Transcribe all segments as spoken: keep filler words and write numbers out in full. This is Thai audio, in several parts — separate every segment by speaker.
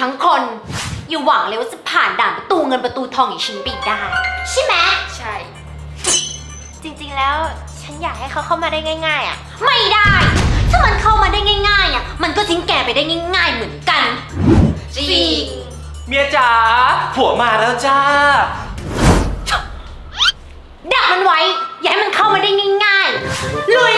Speaker 1: ทั้งคนอย่าหวังเลยว่าจะผ่านด่านประตูเงินประตูทองอย่างฉันไปได้ใช่ไหม
Speaker 2: ใช่จริงๆแล้วฉันอยากให้เขาเข้ามาได้ง่ายๆอ่ะ
Speaker 1: ไม่ได้ถ้ามันเข้ามาได้ง่ายๆอ่ะมันก็ทิ้งแกไปได้ง่ายๆเหมือนกัน
Speaker 2: จริง
Speaker 3: เมียจ๋าผัวมาแล้วจ้า
Speaker 1: ดักมันไว้อย่าให้มันเข้ามาได้ง่ายๆลุย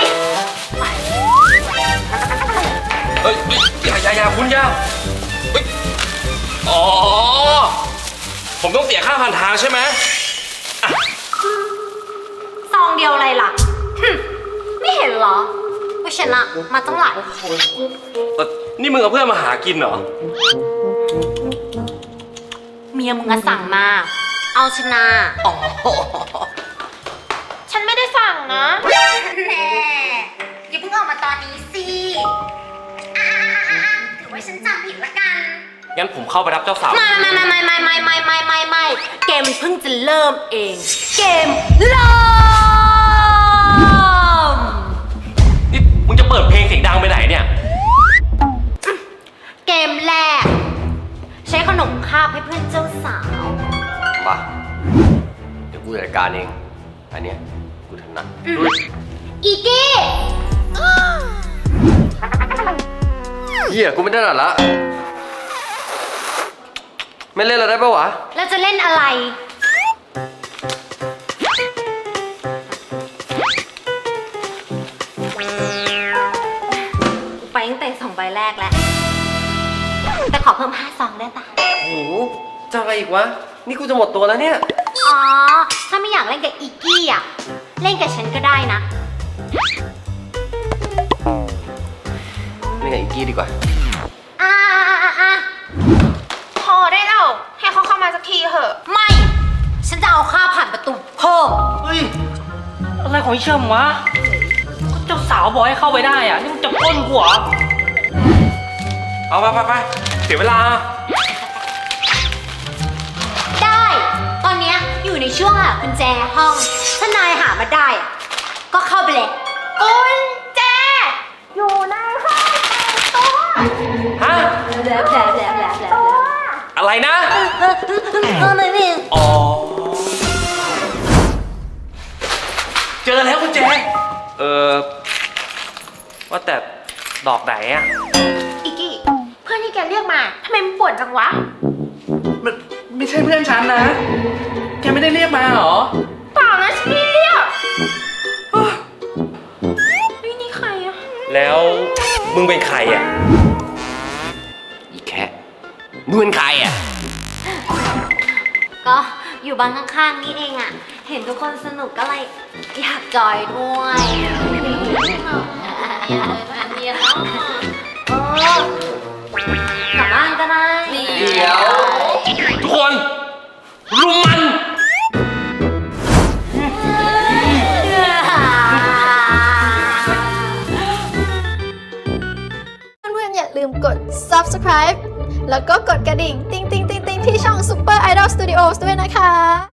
Speaker 3: เฮ้ยอย่าอย่าอย่าคุณย่าเฮ้ยอ๋อผมต้องเสียค่าผ่านทางใช่ไหม
Speaker 1: ซองเดียวอะไรล่ะไม่เห็นเหรอว่าชนะมาตั้งหลายคน
Speaker 3: นี่มึงเอาเพื่อนมาหากินเหรอ
Speaker 1: เมียมึงอะสั่งมาเอาชนะอ๋อ
Speaker 2: ฉันไม่ได้สั่งนะ
Speaker 1: แน่อย่าเพิ่งออกมาตอนนี้สิอ่าถือว่าฉันจำผิดละกัน
Speaker 3: งั้นผมเข้าไปรับเจ้าสาว
Speaker 1: ไม่ไม่ไม่ไม่ไม่ไม่ไม่ไม่ไม่ไม่เกมมันเพิ่งจะเริ่มเองเกมเริ่ม
Speaker 3: นี่มึงจะเปิดเพลงเสียงดังไปไหนเนี่ย
Speaker 1: เกมแรกใช้ขนมคาบให้เพื่อนเจ้าสาว
Speaker 4: มาเดี๋ยวกูจัดการเองอันเนี้ยกูถนัด
Speaker 1: อีกี้
Speaker 4: เฮียกูไม่ถนัดละไม่เล่นแล้วได้ปะวะ
Speaker 1: แล้วจะเล่นอะไรกูไปตั้งแต่สองใบแรกแล้วแต่ขอเพิ่มห้าซองได้ปะ
Speaker 4: โอ้โหจะอะไรอีกวะนี่กูจะหมดตัวแล้วเนี่ย
Speaker 1: อ๋อถ้าไม่อยากเล่นกับอีกี้อ่ะเล่นกับฉันก็ได้นะ
Speaker 4: เล่นกับอีกี้ดีกว่า
Speaker 1: อ่าอ่าอ่า
Speaker 2: พอได้แล้วให้เขาเข้ามาสักทีเถอะ
Speaker 1: ไม่ฉันจะเอาค่าผ่านประตูเพิ่ม
Speaker 3: เฮ้ยอะไรของเชื่อมวะเจ้าสาวบอกให้เข้าไปได้อ่ะนี่มึงจะปล้นกูเหรอเอาไปไปไปเสียเวลา
Speaker 1: ได้ตอนนี้อยู่ในช่วงหากุญแจห้องถ้านายหามาได้ก็เข้าไปเลย
Speaker 2: กุญแจอยู่ในห้องตัว
Speaker 3: ฮะ
Speaker 1: แบลบแบลบแบลบแบลบแบลบ
Speaker 3: อะไรนะ
Speaker 1: เออไม่มี
Speaker 3: อ๋อเจอแล้วกุญแจเออว่าแต่ดอกไหนอ่ะ
Speaker 2: อีกี้เพื่อนที่แกเรียกมาทำไมมันป่วนจังวะ
Speaker 3: มันไม่ใช่เพื่อนฉันนะแกไม่ได้เรียกมาหรอ
Speaker 2: เปล่านะฉันไม่เรียกนี่นี่ใครอะ
Speaker 3: แล้วมึงเป็นใครอ่ะ
Speaker 4: อีแค่มึงเป็นใครอ่ะ
Speaker 1: ก็อยู่บ้านข้างๆนี่เองอ่ะเห็นทุกคนสนุกก็เลยอยากจอยด้วยเออกลับบ้านก็ได้
Speaker 3: เดี๋ยวทุกคนรุมมัน
Speaker 5: เพื่อนๆอย่าลืมกด ซับสไครบ์ แล้วก็กดกระดิ่ง ติ๊งติ๊งติ๊งติ๊งที่ช่อง Super Idol Studios ด้วยนะคะ